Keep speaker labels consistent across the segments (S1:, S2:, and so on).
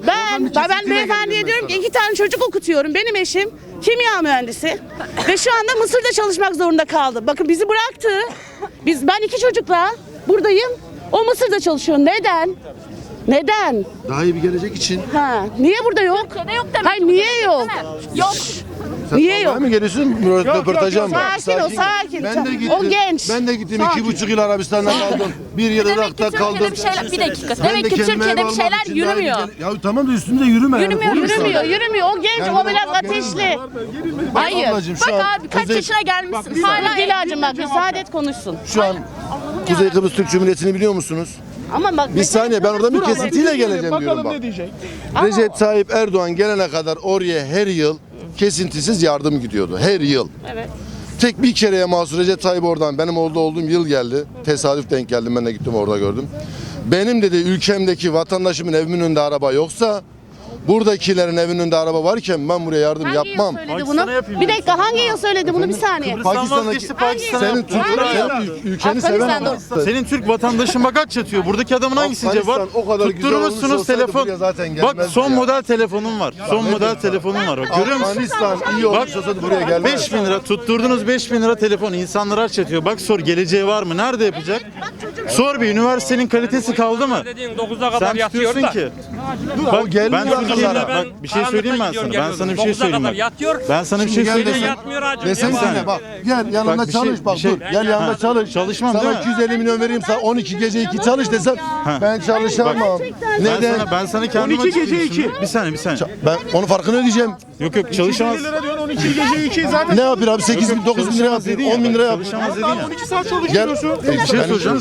S1: Ben beyefendiye diyorum ki 2 tane çocuk okutuyorum. Benim eşim kimya mühendisi ve şu anda Mısır'da çalışmak zorunda kaldı. Bakın bizi bıraktı. Ben 2 çocukla buradayım. O Mısır'da çalışıyor. Neden? Neden?
S2: Daha iyi bir gelecek için.
S1: Niye burada yok?
S3: Türkiye'de yok demek.
S1: Hayır, niye yok?
S3: Yok.
S1: Niye yok?
S2: Sen mi geliyorsun röportaja mı?
S1: Sakin.
S2: Ben de gittim.
S1: O genç.
S2: Ben de gittim.
S1: Sakin.
S2: 2,5 yıl Arabistan'da kaldım. 1 yıl
S3: Demek ki
S2: Irak'ta kaldım.
S3: Türkiye'de bir şeyler, bir dakika.
S2: Ben
S3: Demek
S2: de
S3: ki
S2: kendime
S3: Türkiye'de
S2: ev
S3: bir
S2: almak
S3: şeyler
S2: için daha iyi
S3: yürümüyor.
S2: Ya tamam da üstünde yürüme.
S3: Yürümüyor,
S1: Yürümüyor. O genç,
S2: Yani
S1: o biraz
S2: bak,
S1: ateşli. Hayır.
S2: Ablacığım, şu
S3: Bak
S2: an
S3: abi kaç
S2: Kuzey-
S3: yaşına gelmişsin. Hala
S1: Dilacığım bak müsaade et konuşsun.
S2: Şu an Kuzey Kıbrıs Türk Cumhuriyeti'ni biliyor musunuz?
S1: Ama bak
S2: Bir saniye, ben oradan bir kesintiyle geleceğim diyorum bak. Recep Tayyip Erdoğan gelene kadar oraya her yıl kesintisiz yardım gidiyordu. Her yıl.
S1: Evet.
S2: Tek bir kereye mahsus Recep Tayyip oradan benim orada olduğum yıl geldi. Tesadüf denk geldim, ben de gittim orada gördüm. Benim dedi ülkemdeki vatandaşımın evimin önünde araba yoksa buradakilerin evinin önünde araba varken ben buraya yardım
S1: Hangi
S2: yapmam.
S1: yıl söyledi bunu? Bir dakika, hangi yıl söyledi bunu? Bir saniye.
S2: Pakistan'daki senin ülkeni seven ama.
S4: Senin Türk vatandaşın bak aç yatıyor. Buradaki adamın hangi var?
S2: Afganistan o kadar güzel olmuş
S4: Tutturmuşsunuz
S2: olsaydı
S4: telefon.
S2: buraya zaten
S4: Bak
S2: gelmezdi
S4: son
S2: ya.
S4: model telefonum var. Son model telefonum var. Bak görüyor musun?
S2: Afganistan iyi olmuş olsaydı buraya gelmez.
S4: 5.000 lira tutturdunuz, 5.000 lira telefon. İnsanlar aç yatıyor. Bak sor, geleceği var mı? Nerede yapacak? Sor bir, üniversitenin kalitesi kaldı mı?
S5: Dediğin 9'a kadar
S4: Sen
S5: yatıyor
S4: tutuyorsun
S5: da.
S4: ki. Bak
S2: gelmiyor
S4: ben Türkiye'de
S2: akıllara.
S4: bak bir şey söyleyeyim ben sana. Ben sana bir şey
S5: 9'a
S4: söyleyeyim
S5: kadar
S4: bak.
S5: yatıyor.
S4: Ben sana bir şey
S2: Gel
S4: söyleyeyim.
S2: desen-
S5: Yatmıyor hacım.
S2: Desene bak gel yanımda
S4: Bak, bir şey-
S2: çalış bak
S4: bir şey-
S2: dur gel yanımda
S4: Ha,
S2: çalış.
S4: çalışmam
S2: sana
S4: değil mi?
S2: 250 milyon vereyim sana 12 gece 2 çalış desem ben çalışamam. Neden?
S4: Ben sana kendim
S6: 12 gece
S4: açıklayayım
S6: 2.
S4: şimdi. Bir saniye.
S2: Ben onun farkını ödeyeceğim.
S4: Yok çalışamaz.
S6: lira diyorsun 12 gece 2 zaten.
S2: Ne yapıyor abi 8 bin 9 bin lira yapıyor 10 bin lira yapıyor.
S4: Çalışamaz dedin ya.
S6: 12 saat
S2: Gel.
S6: çalışıyorsun.
S4: Bir şey soracağım.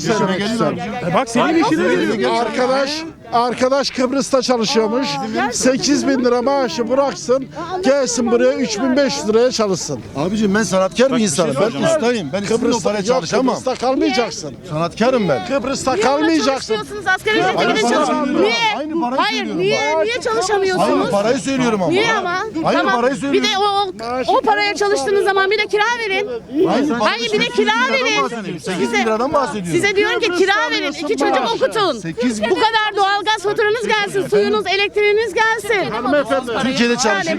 S6: Bak senin işine geliyor. Arkadaş Kıbrıs'ta çalışıyormuş. 8 bin lira maaşı bıraksın. Gelsin buraya 3500 liraya çalışsın.
S2: Abicim ben sanatkar bir
S4: şey
S2: insanım. Ben
S4: soracağım.
S2: ustayım. Ben istediğim o paraya
S6: Yok,
S2: çalışamam.
S6: Kıbrıs'ta kalmayacaksın.
S2: Sanatkarım ben.
S6: Kıbrıs'ta kalmayacaksın.
S1: Çalışmıyorsunuz, asgari ücrete
S2: Aynı
S1: gidin
S2: parayı
S1: çalışın.
S2: söylüyorum.
S1: Niye?
S2: Aynı parayı
S1: Hayır,
S2: söylüyorum
S1: niye
S2: bak.
S1: çalışamıyorsunuz?
S2: Aynı parayı söylüyorum ama.
S1: Niye ama?
S2: Aynı parayı
S1: Bir
S2: söylüyorum.
S1: de o paraya çalıştığınız zaman bir de kira verin. Hayır, bir de kira verin.
S2: 8 bin liradan bahsediyorum.
S1: Size diyorum ki kira verin, 2 çocuk okutun.
S2: 8 bin.
S1: Bu kadar doğalgaz faturanız gelsin, suyunuz, elektriğiniz gelsin.
S2: Türkiye'de çalışıyorum.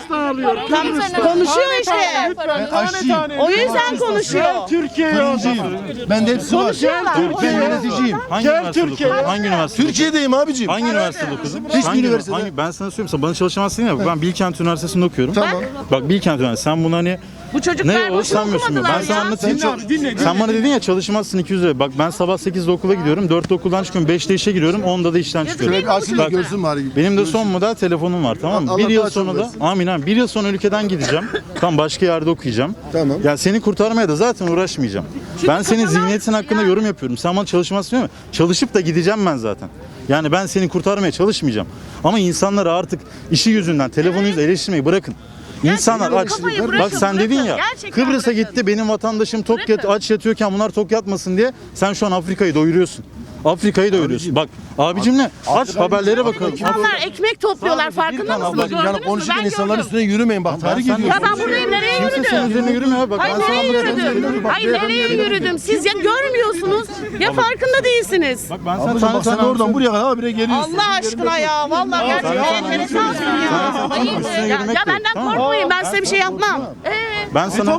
S1: Konuşuyor işte.
S2: Ben aşçıyım.
S1: O yüzden konuşuyor.
S2: Fırıncıyım. Ben de hepsi var.
S1: Konuşuyorlar.
S2: Ben yöneticiyim.
S4: Hangi üniversitede okudun? Hangi üniversitede?
S2: Türkiye'deyim abicim.
S4: Hangi üniversitede okudun?
S2: Hiçbir üniversitede.
S4: Ben sana söyleyeyim, sen bana çalışamazsın ya. Ben Bilkent Üniversitesi'nde okuyorum.
S2: Tamam.
S4: Bak Bilkent Üniversitesi. Sen bunu hani
S1: Bu çocuklar
S4: ne
S1: boşuna
S4: o sanmıyorsun mu?
S1: okumadılar
S4: Ben sana
S1: ya.
S4: anlatayım.
S6: Dinle.
S4: Sen bana dedin ya çalışmazsın 200 lira. Bak ben sabah 8'de okula gidiyorum. 4'te okuldan çıkıyorum. 5'te işe giriyorum. 10'da da işten çıkıyorum.
S2: Şöyle bir açın da görsün bari.
S4: Benim de son model telefonum var, tamam mı?
S2: Allah
S4: Bir yıl
S2: daha çok
S4: sonra da
S2: versin.
S4: amin. Bir yıl sonra ülkeden gideceğim. Tam başka yerde okuyacağım.
S2: Tamam.
S4: Ya seni kurtarmaya da zaten uğraşmayacağım. Ben senin zihniyetin hakkında yorum yapıyorum. Sen bana çalışmazsın değil mi? Çalışıp da gideceğim ben zaten. Yani ben seni kurtarmaya çalışmayacağım. Ama insanları artık işi yüzünden, telefonu yüzünden eleştirmeyi bırakın. İnsanlar aç.
S1: kafayı bırakın,
S4: Bak sen dedin ya,
S1: Gerçekten
S4: Kıbrıs'a
S1: bırakın.
S4: gitti, benim vatandaşım aç yatıyorken bunlar tok yatmasın diye sen şu an Afrika'yı doyuruyorsun. Afrika'yı doyuruyorsun. Bak abicim ne? Aç haberlere bakalım.
S1: İnsanlar ekmek topluyorlar,
S4: Sadece bir
S1: farkında
S4: kanal
S1: mısınız?
S2: Ablacığım yani
S1: Gördünüz mü?
S2: konuşurken
S1: Ben
S2: insanların
S1: gördüm.
S2: üstüne yürümeyin bak. Tarih
S4: sen-
S2: ediyorsun.
S1: Ya ben buradayım, nereye
S4: Kimse senin
S1: yürüdüm?
S4: üzerine yürümüyor. Bak
S1: Hayır,
S4: ben sana
S1: nereye yürüdüm? Hayır, nereye yürüdüm? Siz ya görmüyorsunuz ya farkında değilsiniz.
S4: Bak ben
S2: Ablacığım bak sen oradan buraya kadar habire geliyorsun.
S1: Allah aşkına ya, vallahi gerçekten enteresansın ya. Hayır, ya benden korkmayın, ben size bir şey yapmam.
S4: Ben sana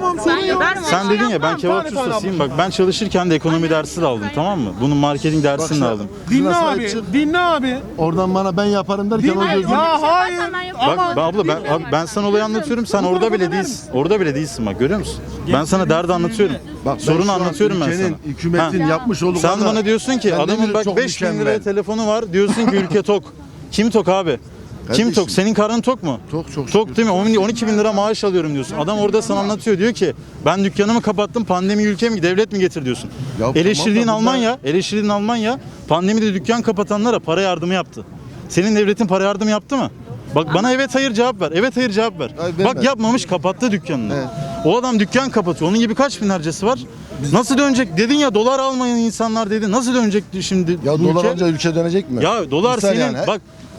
S4: sen dedin ya ben
S1: yapmam.
S4: kebapçı ustasıyım. Bak ben çalışırken de ekonomi dersi de aldım, tamam mı? Bunun marketing dersini de aldım.
S6: Dinle abi. Dinle abi.
S2: Oradan bana ben yaparım derken o gözüm.
S6: Ya hayır.
S4: Bak abla ben sana olayı anlatıyorum. Sen orada bile değilsin. Orada bile değilsin bak, görüyor musun? Ben sana derdi anlatıyorum.
S2: Bak, ben
S4: Sorunu
S2: şu an
S4: anlatıyorum ben
S2: ülkenin,
S4: sana.
S2: hükümetin
S4: Ha.
S2: yapmış olduğu
S4: Sen
S2: kadar-
S4: bana diyorsun ki
S2: Ben
S4: adamın
S2: demiyorum,
S4: bak
S2: çok
S4: 5.000 liraya
S2: mükemmel.
S4: telefonu var. Diyorsun ki ülke tok. Kim tok abi? Kim
S2: Kardeşim.
S4: tok? Senin karın tok mu?
S2: Tok, çok
S4: Tok
S2: şükür.
S4: değil mi? 12 bin lira maaş alıyorum diyorsun. Adam orada sana anlatıyor, diyor ki ben dükkanımı kapattım, pandemi ülke mi devlet mi getir diyorsun.
S2: Ya
S4: Eleştirdiğin
S2: tamam da bunlar-
S4: Almanya pandemide dükkan kapatanlara para yardımı yaptı. Senin devletin para yardımı yaptı mı? Bak bana evet hayır cevap ver. Evet hayır cevap ver.
S2: Hayır,
S4: Bak
S2: vermez.
S4: yapmamış, kapattı dükkanını.
S2: Evet.
S4: O adam dükkan kapatıyor. Onun gibi kaç binlercesi var? Nasıl dönecek? Dedin ya dolar almayan insanlar dedin. Nasıl dönecek şimdi
S2: Ya
S4: bu
S2: dolar
S4: ülke?
S2: alınca ülke dönecek mi?
S4: Ya dolar
S2: Misal
S4: senin
S2: yani, he?
S4: bak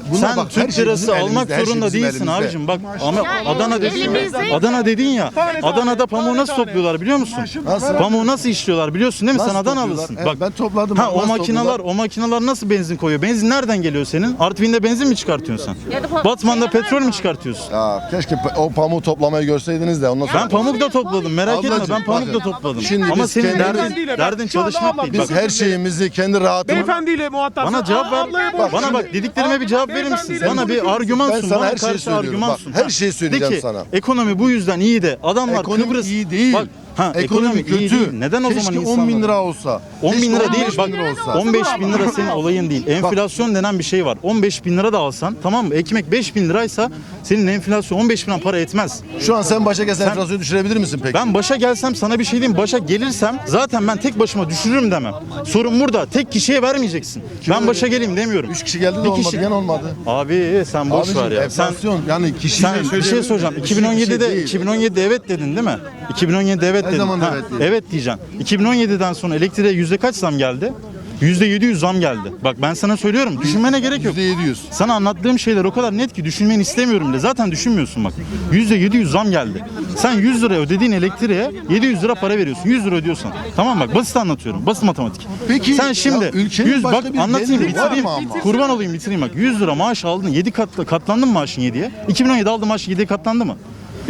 S2: Bunlar
S4: Sen
S2: bak, her
S4: Türk
S2: şey
S4: lirası
S2: bizim
S4: almak
S2: elimizde, her şey
S4: zorunda
S2: bizim
S4: değilsin
S2: elimizde.
S4: abicim. Bak ama Adana dedin ya.
S1: elimizde.
S4: Adana dedin ya. Adana'da pamuğu nasıl topluyorlar biliyor musun?
S2: Nasıl?
S4: Pamuğu nasıl işliyorlar biliyorsun değil mi? Sen
S2: Nasıl
S4: Adanalısın.
S2: topluyorlar? Evet, ben topladım.
S4: Ha
S2: Nasıl
S4: o makineler nasıl benzin koyuyor? Benzin nereden geliyor senin? Artvin'de benzin mi çıkartıyorsun sen? Batman'da petrol mü çıkartıyorsun?
S2: Ya keşke o pamuğu toplamayı görseydiniz de ondan sonra.
S4: Ben pamuk da topladım. Merak etme
S2: Ablacığım,
S4: ben pamuk da
S2: bakın.
S4: topladım.
S2: Şimdi
S4: Ama
S2: biz
S4: senin
S2: kendi-
S4: derdin çalışmak değil.
S2: Biz
S4: Bak,
S2: her şeyimizi kendi rahatımız.
S5: Beyefendiyle muhatap.
S4: bana cevap ver. Bana bak dediklerime bir cevap verir misin? Bana bir argüman
S2: Ben
S4: sun.
S2: sana
S4: Bana
S2: her şeyi
S4: karşı
S2: söylüyorum.
S4: argüman
S2: Bak,
S4: sun.
S2: her şeyi söyleyeceğim
S4: De ki,
S2: sana.
S4: Ekonomi bu yüzden iyi de adamlar
S2: Ekonomi
S4: Kıbrıs
S2: iyi değil.
S4: Bak,
S2: ekonomi
S4: iyi
S2: kötü.
S4: değil. Neden o
S2: Keşke
S4: zaman
S2: 10
S4: insanlar?
S2: bin lira olsa.
S4: 10 bin
S2: Keşke
S4: lira
S2: 15
S4: değil bak
S2: bin lira olsa.
S4: 15 bin lira senin olayın değil. Enflasyon denen bir şey var. 15 bin lira da alsan tamam mı? Ekmek 5 bin liraysa senin enflasyon 15 bin lira para etmez.
S2: Şu an sen başa gelsen enflasyonu düşürebilir misin peki?
S4: Ben başa gelsem sana bir şey diyeyim. Başa gelirsem zaten ben tek başıma düşürürüm demem. Sorun burada. Tek kişiye vermeyeceksin. Ben başa geleyim demiyorum.
S2: 3 kişi geldi de
S4: Bir
S2: olmadı.
S4: kişi-
S2: Gene olmadı.
S4: Abi sen boş
S2: Abicim,
S4: ver ya. Sen
S2: enflasyon yani kişiyle
S4: bir şey soracağım. 2017'de
S2: değil.
S4: 2017'de evet dedin değil mi? 2017'de evet
S2: Ne
S4: dedin.
S2: zaman
S4: Ha,
S2: evet dedim?
S4: evet diyeceksin. 2017'den sonra elektriğe yüzde kaç zam geldi? %700 zam geldi. Bak ben sana söylüyorum. Düşünmene gerek yok.
S2: %700.
S4: Sana anlattığım şeyler o kadar net ki düşünmeni istemiyorum bile. Zaten düşünmüyorsun bak. %700 zam geldi. Sen 100 lira ödediğin elektriğe 700 lira para veriyorsun. 100 lira ödüyorsan. Tamam bak basit anlatıyorum. Basit matematik.
S2: Peki,
S4: sen şimdi
S2: ya ülkenin
S4: 100
S2: başka
S4: bak
S2: bir
S4: anlatayım
S2: geliri var
S4: bitireyim.
S2: mı ama?
S4: Kurban olayım bitireyim bak. 100 lira maaş aldın. 7 katlandın mı maaşın 7'ye? 2017 aldığın maaş 7'ye katlandı mı?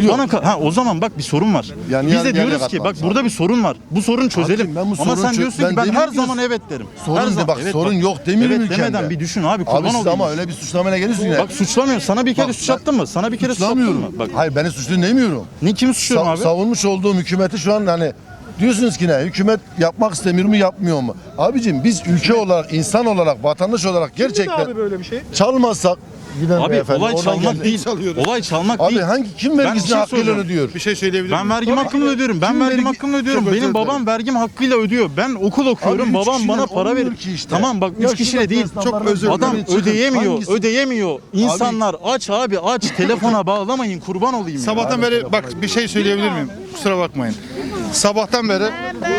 S4: O zaman bak bir sorun var.
S2: Yani
S4: Biz
S2: yarı-
S4: de diyoruz
S2: yarıya
S4: ki bak
S2: katlanmış
S4: burada bir sorun var. Bu sorunu çözelim.
S2: Abicim, ben bu
S4: Ama
S2: sorunu
S4: sen diyorsun
S2: ben
S4: ki ben her
S2: demiyorum ki
S4: zaman evet derim.
S2: sorun
S4: Her
S2: de
S4: zaman-
S2: bak, sorun yok demiyorum
S4: evet
S2: ülkemde.
S4: demeden bir düşün abi kurban
S2: Abi siz
S4: olayım.
S2: ama öyle bir suçlamayla geliyorsun yine.
S4: Bak suçlamıyorum. Sana bir kere
S2: Bak,
S4: suç attım mı? Sana bir kere suç attım
S2: Suçlamıyorum.
S4: mı? Bak
S2: Hayır beni suçlu demiyorum.
S4: ne kimi suçluyorum abi?
S2: Savunmuş olduğum hükümeti şu an hani diyorsunuz ki ne? Hükümet yapmak istemiyor mu yapmıyor mu? Abicim biz ülke olarak, insan olarak, vatandaş olarak gerçekten
S5: Abi böyle bir şey.
S2: çalmazsak giden
S4: Abi
S2: beyefendi
S4: olay
S2: oradan
S4: çalmak
S2: geldi.
S4: değil. Olay çalmak
S2: Abi
S4: değil.
S2: hangi kim
S4: Ben bir
S2: vergisini
S4: şey
S2: hakkıyla
S4: soracağım.
S2: ödüyor?
S7: Bir şey söyleyebilir
S4: Ben
S7: miyim?
S4: vergim hakkımı ödüyorum. Ben
S2: Kim
S4: vergim
S2: vergi-
S4: hakkımı ödüyorum.
S2: Çok özür
S4: Benim babam
S2: dilerim.
S4: vergim hakkıyla ödüyor. Ben okul okuyorum.
S2: Abi üç
S4: Babam
S2: kişiyle
S4: bana para
S2: olmuyor
S4: veriyor.
S2: ki işte.
S4: Tamam bak
S2: Ya
S4: 3 kişiyle
S2: şurada
S4: değil.
S2: esnafların
S4: Çok adam
S2: çıkın.
S4: ödeyemiyor.
S2: Hangisi?
S4: Ödeyemiyor. İnsanlar aç abi aç. Telefona bağlamayın. Kurban olayım ya.
S7: Sabahtan beri bak bir şey söyleyebilir miyim? Kusura bakmayın. Sabahtan beri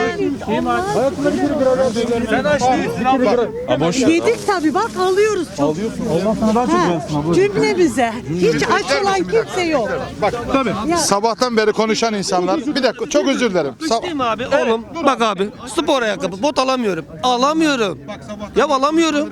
S4: Ha, boş ver.
S8: Yedik tabii bak alıyoruz çok.
S4: Alıyorsun. Allah sana daha çok versin abla.
S8: Cümlemize. Hiç aç olan kimse yok.
S7: sabahtan beri konuşan insanlar bir dakika çok özür dilerim.
S9: Değil mi abi? Oğlum bak abi spor ayakkabı bot alamıyorum. Alamıyorum. Ya alamıyorum.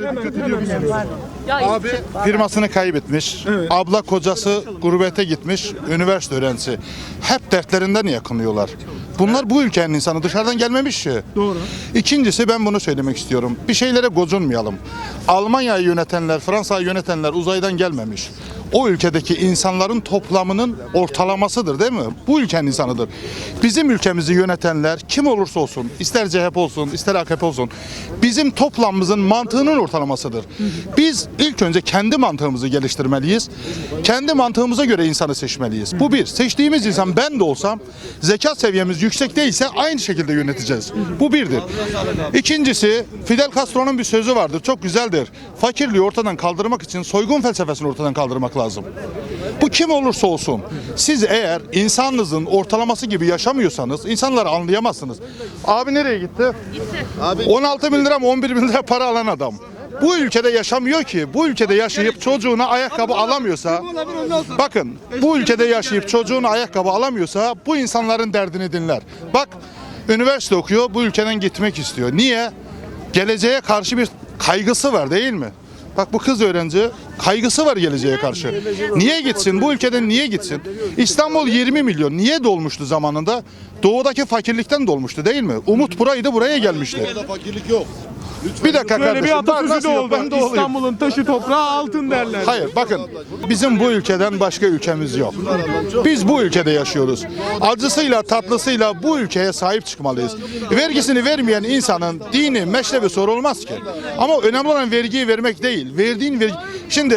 S7: Abi firmasını kaybetmiş. Abla kocası gurbete gitmiş. Üniversite öğrencisi. Hep dertlerinden yakınıyorlar. Bunlar bu ülkenin insanı dışarıdan gelmemiş ki. Doğru. İkincisi ben bunu söylemek istiyorum. Bir şeylere gocunmayalım. Almanya'yı yönetenler, Fransa'yı yönetenler uzaydan gelmemiş. O ülkedeki insanların toplamının ortalamasıdır değil mi? Bu ülkenin insanıdır. Bizim ülkemizi yönetenler kim olursa olsun, ister CHP olsun, ister AKP olsun, bizim toplamımızın mantığının ortalamasıdır. Biz ilk önce kendi mantığımızı geliştirmeliyiz. Kendi mantığımıza göre insanı seçmeliyiz. Bu bir. Seçtiğimiz insan ben de olsam, zekat seviyemiz yüksek değilse aynı şekilde yöneteceğiz. Bu birdir. İkincisi, Fidel Castro'nun bir sözü vardır. Çok güzeldir. Fakirliği ortadan kaldırmak için soygun felsefesini ortadan kaldırmak lazım. Bu kim olursa olsun. Siz eğer insanınızın ortalaması gibi yaşamıyorsanız insanları anlayamazsınız. Abi nereye gitti? Abi 16 bin lira mı 11 bin lira para alan adam. Bu ülkede yaşamıyor ki. Bu ülkede yaşayıp çocuğuna ayakkabı alamıyorsa, bakın bu ülkede yaşayıp çocuğuna ayakkabı alamıyorsa bu insanların derdini dinler. Bak üniversite okuyor, bu ülkeden gitmek istiyor. Niye? Geleceğe karşı bir kaygısı var değil mi? Bak bu kız öğrenci kaygısı var geleceğe karşı. Niye gitsin? Bu ülkeden niye gitsin? İstanbul 20 milyon. Niye dolmuştu zamanında? Doğudaki fakirlikten dolmuştu değil mi? Umut buraydı, buraya gelmişti.
S2: Fakirlik yok.
S7: Bir dakika
S5: Böyle bir
S7: kardeşim.
S5: atasözü
S7: Nasıl
S5: de
S7: yok?
S5: oldu.
S7: Ben de olayım.
S5: İstanbul'un taşı toprağı altın derler.
S7: Hayır bakın bizim bu ülkeden başka ülkemiz yok. Biz bu ülkede yaşıyoruz. Acısıyla tatlısıyla bu ülkeye sahip çıkmalıyız. Vergisini vermeyen insanın dini, meşrebi sorulmaz ki. Ama önemli olan vergiyi vermek değil. Verdiğin vergi... Şimdi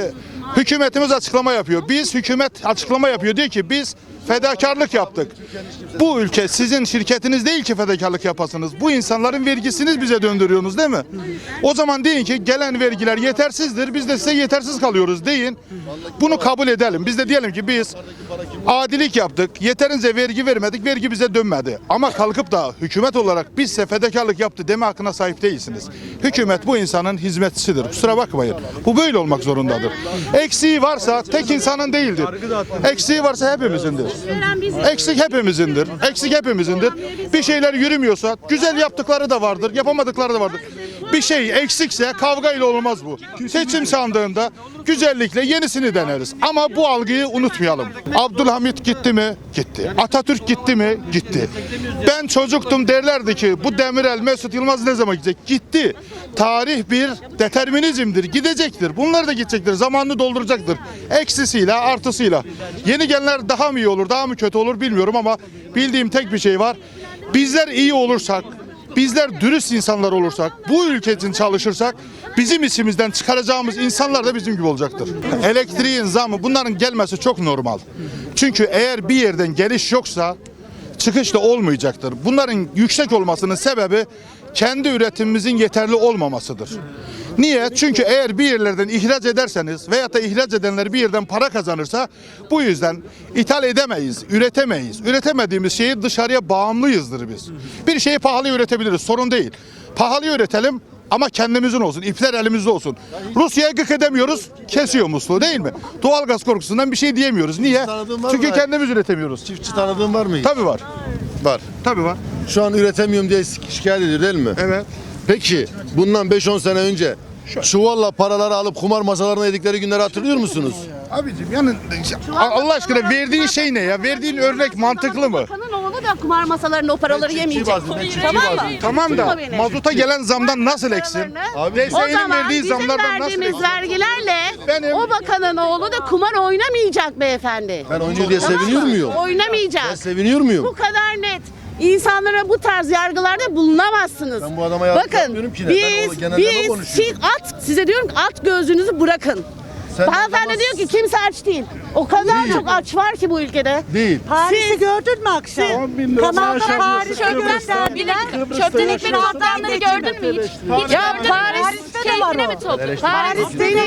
S7: Hükümetimiz açıklama yapıyor. Hükümet açıklama yapıyor. Diyor ki biz fedakarlık yaptık. Bu ülke sizin şirketiniz değil ki fedakarlık yapasınız. Bu insanların vergisini bize döndürüyorsunuz değil mi? O zaman deyin ki gelen vergiler yetersizdir. Biz de size yetersiz kalıyoruz deyin. Bunu kabul edelim. Biz de diyelim ki biz adilik yaptık. Yeterince vergi vermedik. Vergi bize dönmedi. Ama kalkıp da hükümet olarak biz size fedakarlık yaptı deme hakkına sahip değilsiniz. Hükümet bu insanın hizmetçisidir. Kusura bakmayın. Bu böyle olmak zorundadır. Eksiği varsa tek insanın değildir. Eksiği varsa hepimizindir. Eksik hepimizindir. Eksik hepimizindir. Bir şeyler yürümüyorsa güzel yaptıkları da vardır, yapamadıkları da vardır. Bir şey eksikse kavgayla olmaz bu. Seçim sandığında güzellikle yenisini deneriz. Ama bu algıyı unutmayalım. Abdülhamit gitti mi? Gitti. Atatürk gitti mi? Gitti. Ben çocuktum derlerdi ki bu Demirel, Mesut Yılmaz ne zaman gidecek? Gitti. Tarih bir determinizmdir. Gidecektir. Bunlar da gidecektir. Zamanını dolduracaktır. Eksisiyle, artısıyla. Yeni gelenler daha mı iyi olur, daha mı kötü olur bilmiyorum ama bildiğim tek bir şey var. Bizler iyi olursak, bizler dürüst insanlar olursak, bu ülke için çalışırsak bizim içimizden çıkaracağımız insanlar da bizim gibi olacaktır. Elektriğin zamı bunların gelmesi çok normal. Çünkü eğer bir yerden geliş yoksa çıkış da olmayacaktır. Bunların yüksek olmasının sebebi kendi üretimimizin yeterli olmamasıdır. Niye? Çünkü eğer bir yerlerden ihraç ederseniz veyahut da ihraç edenler bir yerden para kazanırsa bu yüzden ithal edemeyiz, üretemeyiz. Üretemediğimiz şeyi dışarıya bağımlıyızdır biz. Bir şeyi pahalı üretebiliriz, sorun değil. Pahalı üretelim ama kendimizin olsun, ipler elimizde olsun. Rusya'ya gık edemiyoruz, kesiyor musluğu değil mi? Doğalgaz korkusundan bir şey diyemiyoruz. Niye? Çünkü kendimiz üretemiyoruz.
S2: Çiftçi tanıdığın var mı hiç?
S7: Tabii var.
S2: Var.
S7: Tabii var.
S2: Şu an üretemiyorum diye şikayet ediyor değil mi?
S7: Evet.
S2: Peki bundan 5-10 sene önce çuvalla paraları alıp kumar masalarına yedikleri günleri hatırlıyor musunuz?
S7: Abicim yani Allah aşkına verdiğin şey ne ya? Verdiğin örnek mantıklı mı?
S1: Bakanın oğlu da kumar masalarında o paraları yemeyecek. Tamam mı?
S7: Tamam da
S1: beni.
S7: mazuta gelen zamdan nasıl eksin?
S1: O
S7: DSE'nin
S1: zaman
S7: verdiği
S1: bizim
S7: zamlardan nasıl
S1: verdiğimiz
S7: eksin?
S1: vergilerle
S7: Benim-
S1: o bakanın oğlu da kumar oynamayacak beyefendi.
S2: Ben oynuyor diye seviniyor muyum?
S1: Oynamayacak.
S2: Ben seviniyor muyum?
S1: Bu kadar net. İnsanlara bu tarz yargılarda bulunamazsınız.
S2: Ben bu adama yargı
S1: Bakın
S2: yapmıyorum ki ne? Ben o genelleme konuşuyorum.
S1: size diyorum ki at gözünüzü bırakın.
S2: Sen
S1: Hanımefendi
S2: de
S1: diyor ki kimse aç değil. O kadar çok aç var ki bu ülkede.
S2: Değil.
S8: Paris'i gördün mü akşam?
S6: 10 bin lira
S8: Kanalda
S6: maaş alıyorsun.
S8: Paris'e gösterdiler.
S3: Çöpten ekmek toplayanları gördün mü hiç? Hiç
S1: Ya
S3: gördün mü?
S1: Paris'te de var
S3: Keyfine
S1: o.
S3: mi topluyor?
S1: Paris'te değil.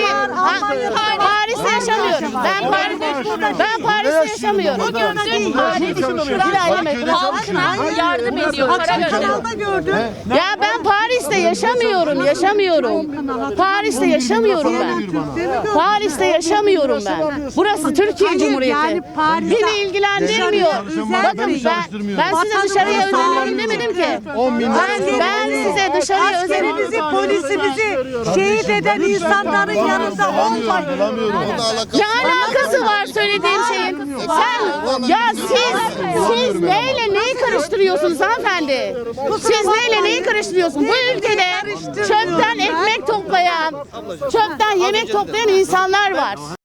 S1: Paris'te yaşamıyorum. Ben Paris'te yaşamıyorum.
S3: Dün halkına yardım ediyor. Para gönderiyor.
S8: Kanalda gördüm.
S1: Ya ben Paris'te yaşamıyorum. Paris'te yaşamıyorum ben. Paris'te yaşamıyorum ben. Burası Türkiye
S8: Hayır,
S1: Cumhuriyeti.
S8: yani Paris'te
S1: Beni ilgilendirmiyor. Bakın ben size dışarıya özeniyorum demedim ki. Ben size dışarıya özeniyorum.
S8: Askerimizi, polisimizi şehit eden insanların yanında olmayın.
S1: Ne alakası var söylediğim şeyin? Siz neyle neyi karıştırıyorsunuz hanımefendi? Siz neyle neyi karıştırıyorsunuz? Bu ülkede çöpten ekmek toplayan, çöpten yemek toplayan insanlar var.